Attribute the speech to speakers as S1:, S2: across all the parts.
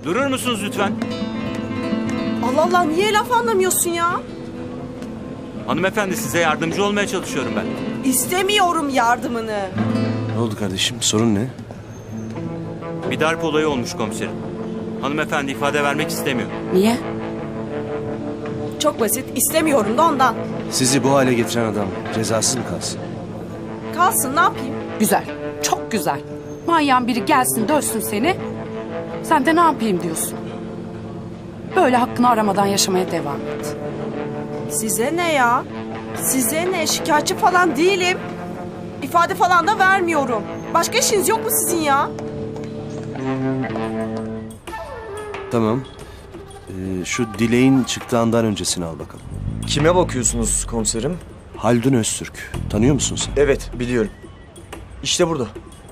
S1: Durur musunuz lütfen?
S2: Allah Allah, niye laf anlamıyorsun ya?
S1: Hanımefendi, size yardımcı olmaya çalışıyorum ben.
S2: İstemiyorum yardımını.
S3: Ne oldu kardeşim? Sorun ne?
S1: Bir darp olayı olmuş komiserim. Hanımefendi ifade vermek istemiyor.
S4: Niye?
S2: Çok basit, istemiyorum da ondan.
S3: Sizi bu hale getiren adam cezasız mı kalsın?
S2: Kalsın, ne yapayım?
S4: Güzel. Çok güzel. Manyağın biri gelsin dövsün seni. Sen de ne yapayım diyorsun. Böyle hakkını aramadan yaşamaya devam et.
S2: Size ne ya? Size ne? Şikayetçi falan değilim. İfade falan da vermiyorum. Başka işiniz yok mu sizin ya?
S3: Tamam. Şu dileğin çıktığı andan öncesini al bakalım.
S5: Kime bakıyorsunuz komiserim?
S3: Haldun Öztürk. Tanıyor musun sen?
S5: Evet, biliyorum. İşte burada.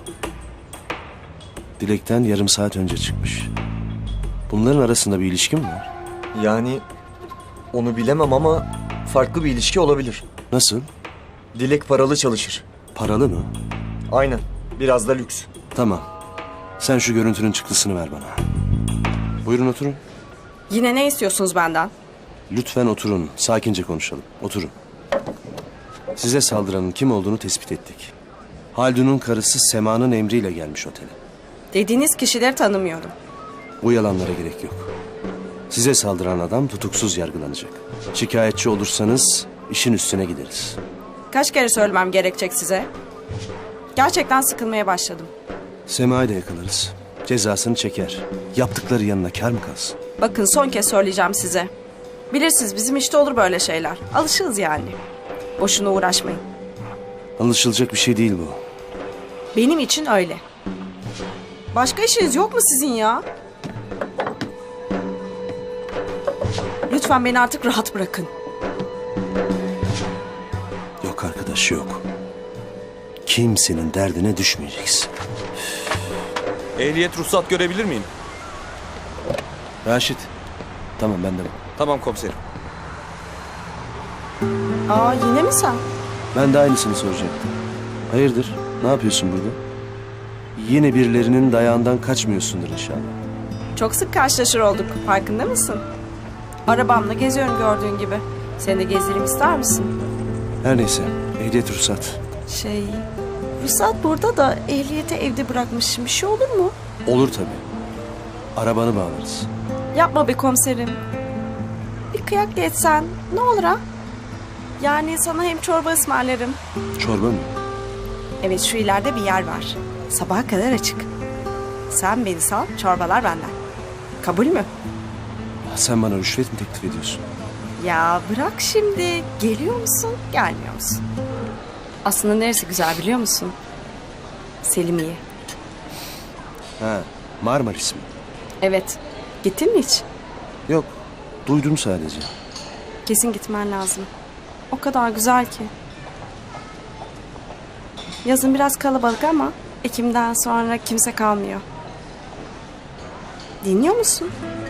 S3: Dilek'ten yarım saat önce çıkmış. Bunların arasında bir ilişki mi var?
S5: Yani onu bilemem ama farklı bir ilişki olabilir.
S3: Nasıl?
S5: Dilek paralı çalışır.
S3: Paralı mı?
S5: Aynen. Biraz da lüks.
S3: Tamam. Sen şu görüntünün çıktısını ver bana. Buyurun oturun.
S2: Yine ne istiyorsunuz benden?
S3: Lütfen oturun. Sakince konuşalım. Oturun. Size saldıranın kim olduğunu tespit ettik. Haldun'un karısı Sema'nın emriyle gelmiş otele.
S2: Dediğiniz kişileri tanımıyorum.
S3: Bu yalanlara gerek yok. Size saldıran adam tutuksuz yargılanacak. Şikayetçi olursanız işin üstüne gideriz.
S2: Kaç kere söylemem gerekecek size? Gerçekten sıkılmaya başladım.
S3: Sema'yı da yakalarız. Cezasını çeker. Yaptıkları yanına kâr mı kalsın?
S2: Bakın, son kez söyleyeceğim size. Bilirsiniz, bizim işte olur böyle şeyler. Alışığız yani. Boşuna uğraşmayın.
S3: Anlaşılacak bir şey değil bu.
S2: Benim için öyle. Başka işiniz yok mu sizin ya? Lütfen beni artık rahat bırakın.
S3: Yok arkadaş, yok. Kimsenin derdine düşmeyeceksin.
S6: Ehliyet ruhsat görebilir miyim?
S3: Raşit. Tamam, ben de.
S6: Tamam komiserim.
S2: Aa, yine mi sen?
S3: Ben de aynısını soracaktım. Hayırdır? Ne yapıyorsun burada? Yine birilerinin dayağından kaçmıyorsundur inşallah.
S2: Çok sık karşılaşır olduk. Farkında mısın? Arabamla geziyorum gördüğün gibi. Seni de gezdireyim ister misin?
S3: Her neyse. Ehliyet ruhsat.
S2: Ruhsat burada da ehliyeti evde bırakmışım. Bir şey olur mu?
S3: Olur tabii. Arabanı bağlarız.
S2: Yapma be komiserim. Bir kıyak da etsen ne olur ha? Yani sana hem çorba ısmarlarım.
S3: Çorba mı?
S2: Evet, şu ileride bir yer var. Sabaha kadar açık. Sen beni sal, çorbalar benden. Kabul mü?
S3: Sen bana rüşvet mi teklif ediyorsun?
S2: Ya bırak şimdi. Geliyor musun, gelmiyor musun? Aslında neresi güzel biliyor musun? Selimiye.
S3: Ha, Marmaris mi?
S2: Evet. Gittin mi hiç?
S3: Yok. Duydum sadece.
S2: Kesin gitmen lazım. O kadar güzel ki. Yazın biraz kalabalık ama Ekim'den sonra kimse kalmıyor. Dinliyor musun?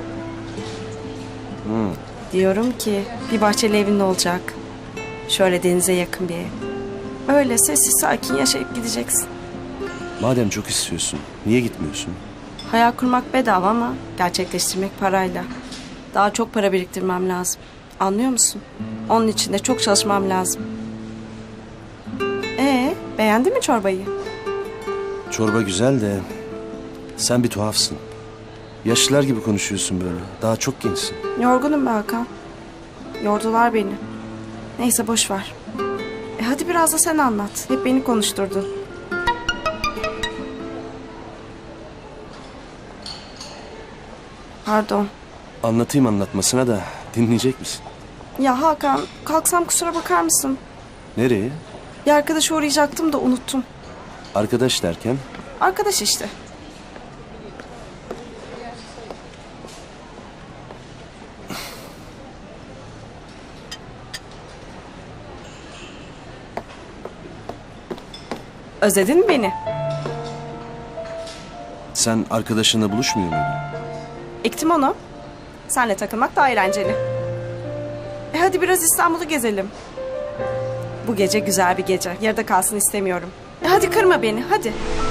S2: Diyorum ki bir bahçeli evin olacak. Şöyle denize yakın bir ev. Öyle sessiz sakin yaşayıp gideceksin.
S3: Madem çok istiyorsun, niye gitmiyorsun?
S2: Hayal kurmak bedava ama gerçekleştirmek parayla. Daha çok para biriktirmem lazım. Anlıyor musun? Onun için de çok çalışmam lazım. Beğendin mi çorbayı?
S3: Çorba güzel de sen bir tuhafsın. Yaşlılar gibi konuşuyorsun böyle. Daha çok gençsin.
S2: Yorgunum be Hakan. Yordular beni. Neyse boş ver. Hadi biraz da sen anlat. Hep beni konuşturdun. Pardon.
S3: Anlatayım anlatmasına da dinleyecek misin?
S2: Ya Hakan, kalksam kusura bakar mısın?
S3: Nereye?
S2: Bir arkadaşa uğrayacaktım da unuttum.
S3: Arkadaş derken?
S2: Arkadaş işte. Özledin mi beni?
S3: Sen arkadaşınla buluşmuyor muydun?
S2: Ektim onu. Senle takılmak daha eğlenceli. Hadi biraz İstanbul'u gezelim. Bu gece güzel bir gece. Yarıda kalsın istemiyorum. Hadi kırma beni, hadi.